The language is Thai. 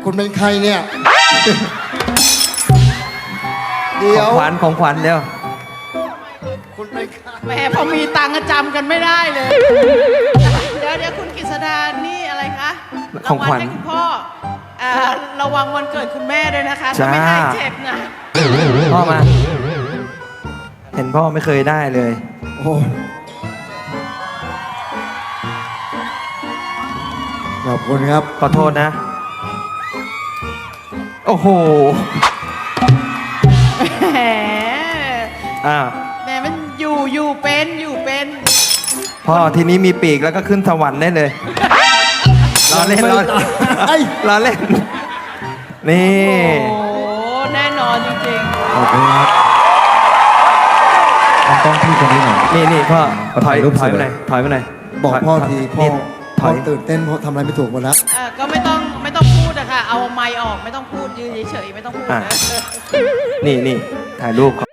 คุณเป็นใครเนี่ยเดี๋ขยอวงขวัญเร็วคุณเป็นใครแหมพอมีตังค์ก็จำกันไม่ได้เลย เดี๋ยวคุณกฤษดานี่อะไรคะของขวัญรางวัลให้คุณพ่อระวังวันเกิดคุณแม่ด้วยนะคะถ้าไม่ให้เจ็บนะพ่อมา เห็นพ่อไม่เคยได้เลยโอ้ขอบคุณครับขอโทษนะ โอ้โหแหมอ้าวแหมมันอยู่เป็นพ่อทีนี้มีปีกแล้วก็ขึ้นสวรรค์ได้เลยรอเล่นไอ้รอเล่น นี่โอ้โหแน่นอนจริงขอบคุณครับต้องพี่คนนี้หน่อยนี่พ่อถอยถ่ายรูปถอยไปสวยหน่อยถอยไปหน่อยบอกพ่อทีพ่อนี่ถพ่ออยตื่นเต้นเพราะทำอะไรไม่ถูกหมดแล้วๆก็ไม่ต้องพูดอะค่ะเอาไมค์ออกไม่ต้องพูดยืนเฉยๆไม่ต้องพูดนะนี่ถ่ายรูป